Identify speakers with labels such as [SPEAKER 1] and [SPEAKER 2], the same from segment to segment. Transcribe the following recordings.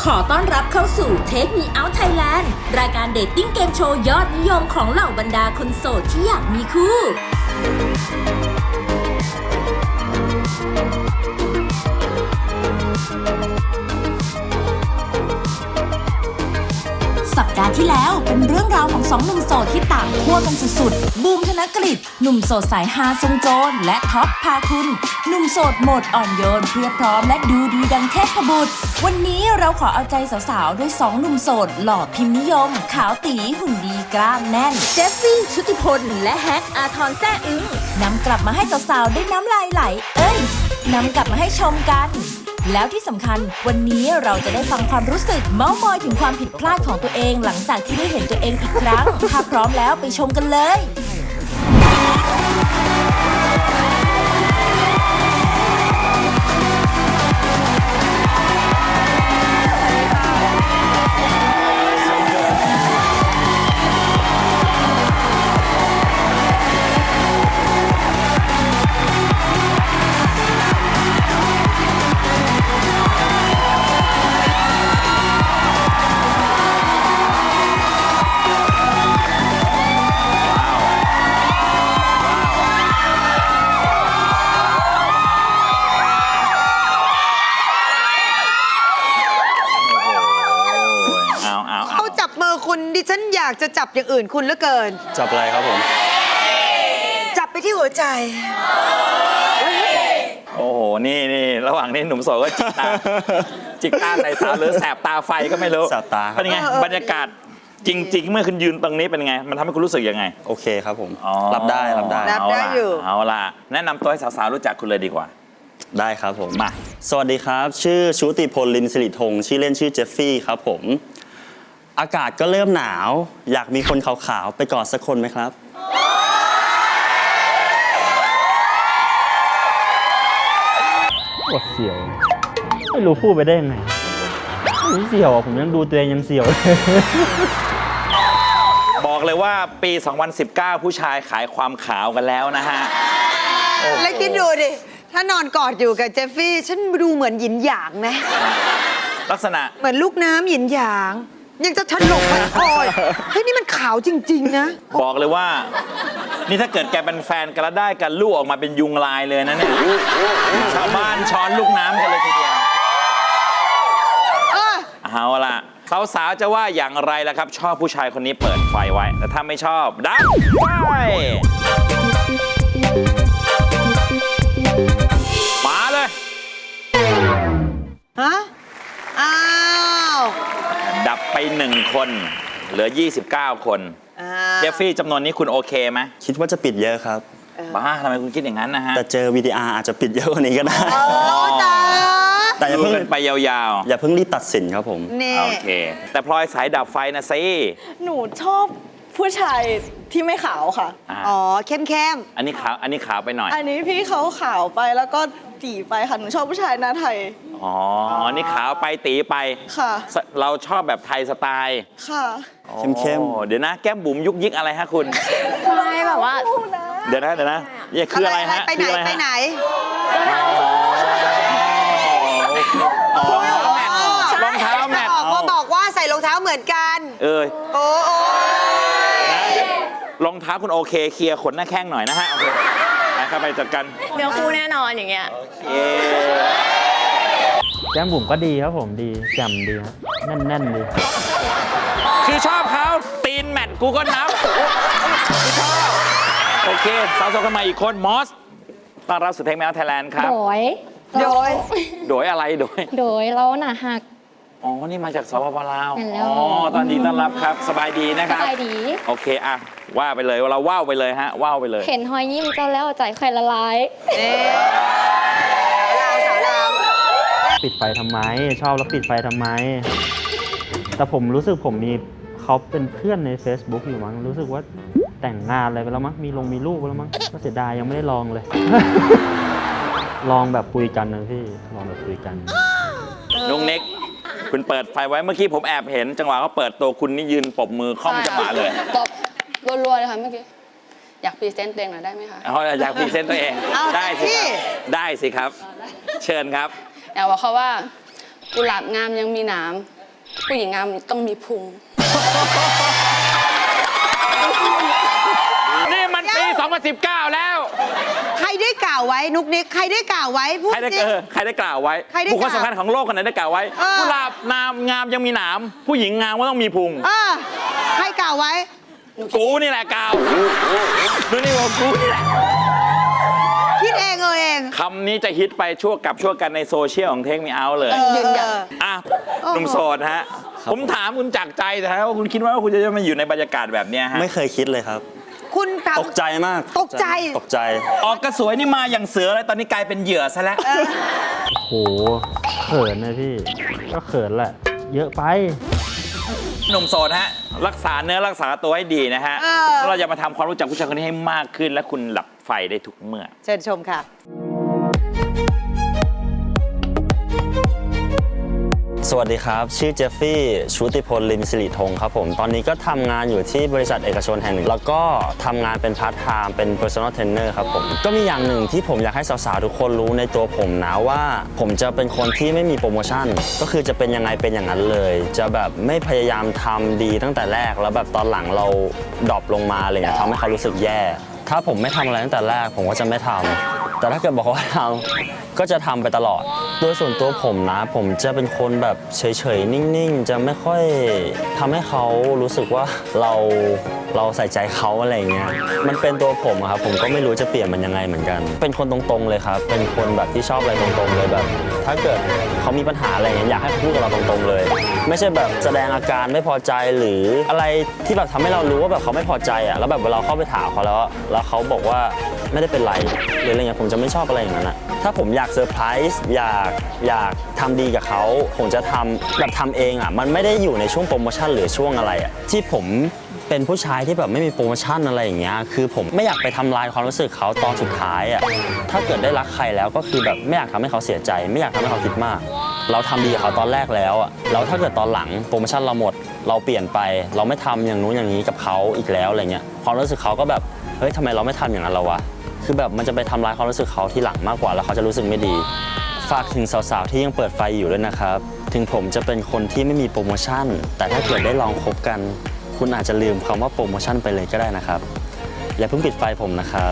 [SPEAKER 1] ขอต้อนรับเข้าสู่ Take Me Out Thailand รายการเดทติ้งเกมโชว์ยอดนิยมของเหล่าบรรดาคนโสดที่อยากมีคู่สัปดาห์ที่แล้วเป็นเรื่องราวของสองหนุ่มโสดที่ต่างขั้วกันสุดๆบูมธนกฤษหนุ่มโสดสายฮาทรงโจรและท็อปพาคุณหนุ่มโสดโหมดอ่อนโยนเพียบพร้อมและดูดีดังเทพบุตรวันนี้เราขอเอาใจสาวๆด้วยสองหนุ่มโสดหล่อพิมพ์นิยมขาวตีหุ่นดีกล้ามแน่นเจฟฟี่ชุติพลและแฮกอาทรแซ่อึ้งนำกลับมาให้สาวๆได้น้ำลายไหลนำกลับมาให้ชมกันแล้วที่สำคัญวันนี้เราจะได้ฟังความรู้สึกเม้ามอยถึงความผิดพลาดของตัวเองหลังจากที่ได้เห็นตัวเองอีกครั้งถ้าพร้อมแล้วไปชมกันเลย
[SPEAKER 2] คุณดิฉันอยากจะจับอย่างอื่นคุณเหลือเกิน
[SPEAKER 3] จับอะไรครับผม
[SPEAKER 2] จับไปที่หัวใจ
[SPEAKER 4] โอ้โหนี่ระหว่างนี้หนุ่มโสดก็จิกตาใส่สาวหรือแสบตาไฟก็ไม่รู้
[SPEAKER 3] แสบตา
[SPEAKER 4] เป็นไงบรรยากาศจริงๆเมื่อคุณยืนตรงนี้เป็นไงมันทำให้คุณรู้สึกยังไง
[SPEAKER 3] โอเคครับผมรับได้
[SPEAKER 2] อยู่
[SPEAKER 4] เอาล่ะแนะนำตัวให้สาวๆรู้จักคุณเลยดีกว่า
[SPEAKER 3] ได้ครับผม
[SPEAKER 4] มา
[SPEAKER 3] สวัสดีครับชื่อชุติพลลิมสิริธงชื่อเล่นชื่อเจฟฟี่ครับผมอากาศก็เริ่มหนาวอยากมีคนขาวๆไปกอดสักคนไหมครับ
[SPEAKER 5] ปวดเสียวไม่รู้พูดไปได้ยังไงไม่เสียวอ่ะผมยังดูตัวเองยังเสียว
[SPEAKER 4] บอกเลยว่าปี 2019 ผู้ชายขายความขาวกันแล้วนะฮะ
[SPEAKER 2] แล้วคิดดูดิถ้านอนกอดอยู่กับเจฟฟี่ฉันดูเหมือนหยินหยางไหม
[SPEAKER 4] ลักษณะ
[SPEAKER 2] เหมือนลูกน้ำหยินหยางยังจะถลกไปคอยเฮ้ยนี่มันขาวจริงๆนะ
[SPEAKER 4] บอกเลยว่านี่ถ้าเกิดแกเป็นแฟนกันแล้วได้กันลูกออกมาเป็นยุงลายเลยนะเนี่ยชาวบ้านช้อนลูกน้ำกันเลยทีเดียวเอาล่ะสาวๆจะว่าอย่างไรล่ะครับชอบผู้ชายคนนี้เปิดไฟไว้แต่ถ้าไม่ชอบดับไฟมาเลย
[SPEAKER 2] ฮะอ้าว
[SPEAKER 4] ดับไป1คนเหลือ29คนเจฟฟี่จำนวนนี้คุณโอเคไหม
[SPEAKER 3] คิดว่าจะปิดเยอะครับ
[SPEAKER 4] บ้าทำไมคุณคิดอย่างนั้นนะฮะ
[SPEAKER 3] แต่เจอ VTR อาจจะปิดเยอะกว่านี้ก็ได้แต่อย่าเพิ่ง
[SPEAKER 4] ไปยาว
[SPEAKER 3] ๆอย่าเพิ่งรีบตัดสินครับผม
[SPEAKER 4] โอเคแต่พลอยสายดับไฟนะซิ
[SPEAKER 6] หนูชอบผู้ชายที่ไม่ขาวค่ะ
[SPEAKER 2] อ๋อเข้ม
[SPEAKER 4] อันนี้ขาวไปหน่อย
[SPEAKER 6] อันนี้พี่เขาขาวไปแล้วก็ตีไปค่ะหนูชอบผู้ชายหน้าไทย
[SPEAKER 4] อ๋อนี่ขาวไปตีไป
[SPEAKER 6] ค่ะ
[SPEAKER 4] เราชอบแบบไทยสไตล์
[SPEAKER 6] ค่ะ
[SPEAKER 3] เข้ม
[SPEAKER 4] เดี๋ยวนะแก้มบุ๋มยุกยิกอะไรฮะคุณ
[SPEAKER 6] ไม่แบบว่า
[SPEAKER 4] เดี๋ยวนะนี่คืออะไรฮะ
[SPEAKER 2] ไปไหน
[SPEAKER 4] รองเท้าแมท
[SPEAKER 2] บอกว่าใส่รองเท้าเหมือนกันโอ้
[SPEAKER 4] รองเท้าคุณโอเคเคลียร์ขนหน้าแข้งหน่อยนะฮะโอเคไปเข้าไปจัดกัน
[SPEAKER 6] เดี๋ยวคู่แน่นอนอย่างเงี้ย
[SPEAKER 5] แก้มบุ๋มก็ดีครับผมดีแจ่มดีครับแน่นดี
[SPEAKER 4] คือชอบเขาตีนแมทกูก็นับชอบโอเคสาวๆกันมาอีกคนมอสต้อนรับสู่เทคแมวไทยแลนด์ครับ
[SPEAKER 6] โดย
[SPEAKER 4] อะไรโดย
[SPEAKER 6] แล้วหนาหัก
[SPEAKER 4] อ๋อนี่มาจากสปป.ลาวอ๋อตอนนี้ต้อนรับครับสบายดีนะครับ
[SPEAKER 6] สบายดี
[SPEAKER 4] โอเคอะว่าไปเลยเราว่าวไปเลยฮะว่าวไปเลย
[SPEAKER 6] เห็นหอยยิ้มเจ้าแล้วใจใครละลาย
[SPEAKER 2] สาวลาว
[SPEAKER 5] ปิดไฟทำไมชอบแล้วปิดไฟทำไมแต่ผมรู้สึกผมมีเขาเป็นเพื่อนใน Facebook อยู่มั้งรู้สึกว่าแต่งงานอะไรไปแล้วมั้งมีลูกไปแล้วมั้งก็เสียดายยังไม่ได้ลองเลย ลองแบบคุยกันนะพี่ลองแบบคุยกัน
[SPEAKER 4] นุ๊กเน็กคุณเปิดไฟไว้เมื่อกี้ผมแอบเห็นจังหวะเขาเปิดตัวคุณนี่ยืนปรบมือค่อมจังหวะเลย
[SPEAKER 6] ตบรัวๆเลยค่ะเมื่อกี้อยากพรีเซนต์ตัวเองหน่อยได้ไหมคะ
[SPEAKER 4] อยากพรีเซนต์ตัวเองได้สิครับเชิญครับ
[SPEAKER 6] อยากบอกเขาว่ากุหลาบงามยังมีหนามผู้หญิงงามต้องมีพุง
[SPEAKER 4] นี่มันปี 2019 แล้ว
[SPEAKER 2] ใครได้กล่าวไว้นุกนิกใครได้กล่าวไว้พูด
[SPEAKER 4] ใครได้
[SPEAKER 2] สิ
[SPEAKER 4] ใครได้กล่าวไว้
[SPEAKER 2] ใครได้
[SPEAKER 4] บุคคล
[SPEAKER 2] กล่าว
[SPEAKER 4] สำคัญของโลกคนไหนได้กล่าวไว้
[SPEAKER 2] เออ
[SPEAKER 4] กุหลาบงามยังมีหนามผู้หญิงงามก็ต้องมีพุง
[SPEAKER 2] ใครกล่าวไว้
[SPEAKER 4] กูนี่แหละกล่าวดูนี่ว่ากูนี่แหละ
[SPEAKER 2] คิดเองเอง
[SPEAKER 4] คำนี้จะฮิตไปชั่วกันในโซเชียลของเทคมีเอาเลย
[SPEAKER 6] ยืนยัน
[SPEAKER 4] อ่ะ
[SPEAKER 2] โอ้โห
[SPEAKER 4] หนุ่มโสดฮะ ผมถามคุณจากใจนะฮะว่าคุณคิดว่าคุณจะมาอยู่ในบรรยากาศแบบเนี้ยฮะ
[SPEAKER 3] ไม่เคยคิดเลยครับ
[SPEAKER 2] คุณถาม
[SPEAKER 3] ตกใจมาก
[SPEAKER 2] ตกใจ
[SPEAKER 3] ตกใจ
[SPEAKER 4] ออกกระสวยนี่มาอย่างเสือเลยตอนนี้กลายเป็นเหยื่อซะแล้ว
[SPEAKER 5] โอ้โหเขินนะพี่ ก็เขินแหละ เยอะไป
[SPEAKER 4] หนุ่มโสดฮะ รักษาเนื้อรักษาตัวให้ดีนะฮะ
[SPEAKER 2] เออ
[SPEAKER 4] แล้วเราจะมาทำความรู้จักผู้ชายคนนี้ให้มากขึ้น และคุณหลับไฟได้ทุกเมื่อ
[SPEAKER 2] เชิญชมค่ะ
[SPEAKER 3] สวัสดีครับ ชื่อเจฟฟี่ชุติพลลิมสิริธงครับผม ตอนนี้ก็ทำงานอยู่ที่บริษัทเอกชนแห่งหนึ่ง แล้วก็ทำงานเป็นพาร์ทไทม์เป็น personal trainer ครับผม ก็มีอย่างหนึ่งที่ผมอยากให้สาวๆทุกคนรู้ในตัวผมนะว่า ผมจะเป็นคนที่ไม่มีโปรโมชั่น ก็คือจะเป็นยังไงเป็นอย่างนั้นเลย จะแบบไม่พยายามทำดีตั้งแต่แรก แล้วแบบตอนหลังเราดรอปลงมาอะไรเงี้ยทำให้เขารู้สึกแย่ ถ้าผมไม่ทำอะไรตั้งแต่แรกผมก็จะไม่ทำแต่ถ้าเกิดบอกว่าทำก็จะทำไปตลอด โดยส่วนตัวผมนะ ผมจะเป็นคนแบบเฉยๆ นิ่งๆ จะไม่ค่อยทำให้เขารู้สึกว่าเราใส่ใจเขาอะไรเงี้ย มันเป็นตัวผมอะครับ ผมก็ไม่รู้จะเปลี่ยนมันยังไงเหมือนกัน เป็นคนตรงๆเลยครับ เป็นคนแบบที่ชอบอะไรตรงๆเลยแบบ ถ้าเกิดเขามีปัญหาอะไรเงี้ยอยากให้เขาพูดกับเราตรงๆเลย ไม่ใช่แบบแสดงอาการไม่พอใจหรืออะไรที่แบบทำให้เรารู้ว่าแบบเขาไม่พอใจอะแล้วแบบเวลาเข้าไปถามเขาแล้วเขาบอกว่าไม่ได้เป็นไรหรืออะไรเงี้ยผมจะไม่ชอบอะไรอย่างนั้นอะถ้าผมอยากเซอร์ไพรส์อยากทำดีกับเขาผมจะทำแบบทำเองอะมันไม่ได้อยู่ในช่วงโปรโมชั่นหรือช่วงอะไรอะที่ผมเป็นผู้ชายที่แบบไม่มีโปรโมชั่นอะไรอย่างเงี้ยคือผมไม่อยากไปทำลายความรู้สึกเขาตอนสุดท้ายอะถ้าเกิดได้รักใครแล้วก็คือแบบไม่อยากทำให้เขาเสียใจ ไม่อยากทำให้เขาคิดมาก เราทำดีกับเขาตอนแรกแล้วอะแล้วถ้าเกิดตอนหลังโปรโมชั่นเราหมดเราเปลี่ยนไป เราไม่ทำอย่างนู้นอย่างนี้กับเขาอีกแล้วอะไรเงี้ยความรู้สึกเขาก็แบบเฮ้ยทำไมเราไม่ทำอย่างนั้นเราวะคือแบบมันจะไปทำลายความรู้สึกเขาทีหลังมากกว่าแล้วเขาจะรู้สึกไม่ดี ฝากถึงสาวๆที่ยังเปิดไฟอยู่ด้วยนะครับถึงผมจะเป็นคนที่ไม่มีโปรโมชั่นแต่ถ้าเกิดได้ลองคบกันคุณอาจจะลืมคำว่าโปรโมชั่นไปเลยก็ได้นะครับอย่าเพิ่งปิดไฟผมนะครับ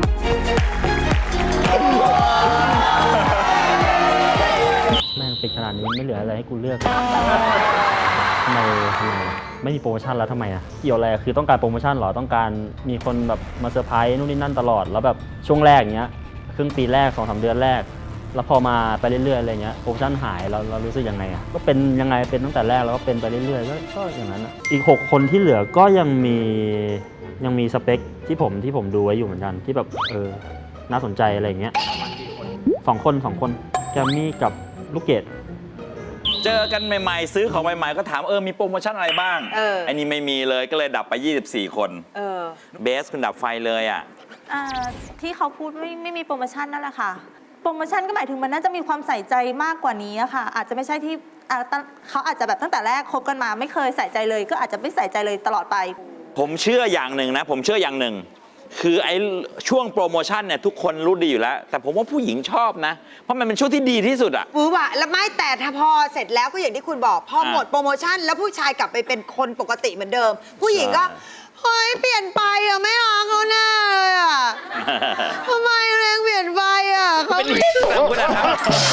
[SPEAKER 5] แม่งปิดขนาดนี้ไม่เหลืออะไรให้กูเลือกทำไมไม่มีโปรโมชั่นแล้วทำไมอ่ะเกี่ยวอะไรคือต้องการโปรโมชั่นเหรอต้องการมีคนแบบมาเซอร์ไพรส์นู่นนี่นั่นตลอดแล้วแบบช่วงแรกอย่างเงี้ยครึ่งปีแรก 2-3 เดือนแรก แล้วพอมาไปเรื่อยๆอะไรเงี้ยโปรโมชั่นหายเรารู้สึกยังไงอ่ะก็เป็นยังไงเป็นตั้งแต่แรกแล้วก็เป็นไปเรื่อยๆก็อย่างนั้นอ่ะอีก6คนที่เหลือก็ยังมีสเปคที่ผมดูไว้อยู่เหมือนกันที่แบบน่าสนใจอะไรอย่างเงี้ย2 คนแกมมี่กับลูกเกด
[SPEAKER 4] เจอกันใหม่ๆซื้อของใหม่ๆก็ถามมีโปรโมชั่นอะไรบ้างอันนี้ไม่มีเลยก็เลยดับไป24 คนเบสคุณดับไฟเลยอ่ะ
[SPEAKER 7] ที่เขาพูดไม่มีโปรโมชั่นนั่นแหละค่ะโปรโมชั่นก็หมายถึงมันน่าจะมีความใส่ใจมากกว่านี้อะค่ะอาจจะไม่ใช่ที่เขาอาจจะแบบตั้งแต่แรกคบกันมาไม่เคยใส่ใจเลยก็อาจจะไม่ใส่ใจเลยตลอดไป
[SPEAKER 4] ผมเชื่ออย่างหนึ่งนะผมเชื่ออย่างหนึ่งคือไอ้ช่วงโปรโมชั่นเนี่ยทุกคนรู้ดีอยู่แล้วแต่ผมว่าผู้หญิงชอบนะเพราะมันเป็นช่วงที่ดีที่สุดอะ
[SPEAKER 2] หวือหวะแล้วไม่แต่ถ้าพอเสร็จแล้วก็อย่างที่คุณบอกพอหมดโปรโมชั่นแล้วผู้ชายกลับไปเป็นคนปกติเหมือนเดิม ผู้หญิงก็เฮ้ยเปลี่ยนไปอะไม่รักเขาแน่เลยอะทำไมเรงเปลี่ยนไปอะเขา
[SPEAKER 4] เป็นเหตุผลคุณนะครับ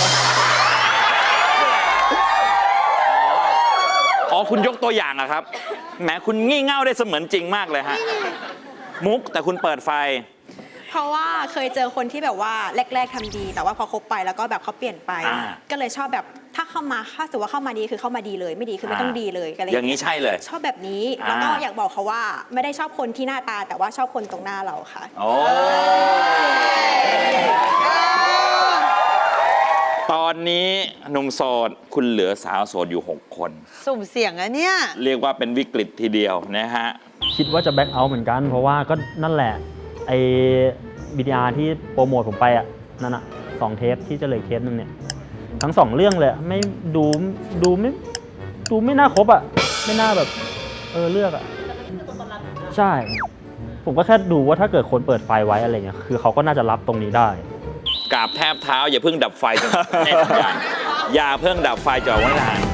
[SPEAKER 4] อ๋อคุณยกตัวอย่างอะครับแหมคุณงี่เง่าได้เสมือนจริงมากเลยฮะมุกแต่คุณเปิดไฟ
[SPEAKER 8] เพราะว่าเคยเจอคนที่แบบว่าแรกๆทำดี แต่ว่าพอคบไปแล้วก็แบบเขาเปลี่ยนไป ก็เลยชอบแบบถ้าเข้ามาถ้าสมมติว่าเข้ามาดีคือเข้ามาดีเลยไม่ดีคือไม่ต้องดีเลยอะไร
[SPEAKER 4] อย่างนี้ใช่เลย
[SPEAKER 8] ชอบแบบนี้แล้วก็อยากบอกเขาว่าไม่ได้ชอบคนที่หน้าตาแต่ว่าชอบคนตรงหน้าเราค่ะ
[SPEAKER 4] โอ้ตอนนี้หนุ่มโสดคุณเหลือสาวโสดอยู่6 คน
[SPEAKER 2] สุ่มเสี่ยงอะเนี่ย
[SPEAKER 4] เรียกว่าเป็นวิกฤตทีเดียวนะฮะ
[SPEAKER 5] คิดว่าจะแบ็คเอาท์เหมือนกันเพราะว่าก็นั่นแหละไอ้BTRที่โปรโมทผมไปอ่ะนั่นอ่ะ2 เทปที่จะเหลือเทปนึงเนี่ยทั้ง2 เรื่องเลยไม่ดูไม่น่าครบอ่ะไม่น่าแบบเลือกอ่ะใช่ผมก็แค่ดูว่าถ้าเกิดคนเปิดไฟไว้อะไรเงี้ยคือเขาก็น่าจะรับตรงนี้ได้
[SPEAKER 4] กราบแทบเท้าอย่าเพิ่งดับไฟจนแน่สัญญาณอย่าเพิ่งดับไฟจอดไว้ทหาร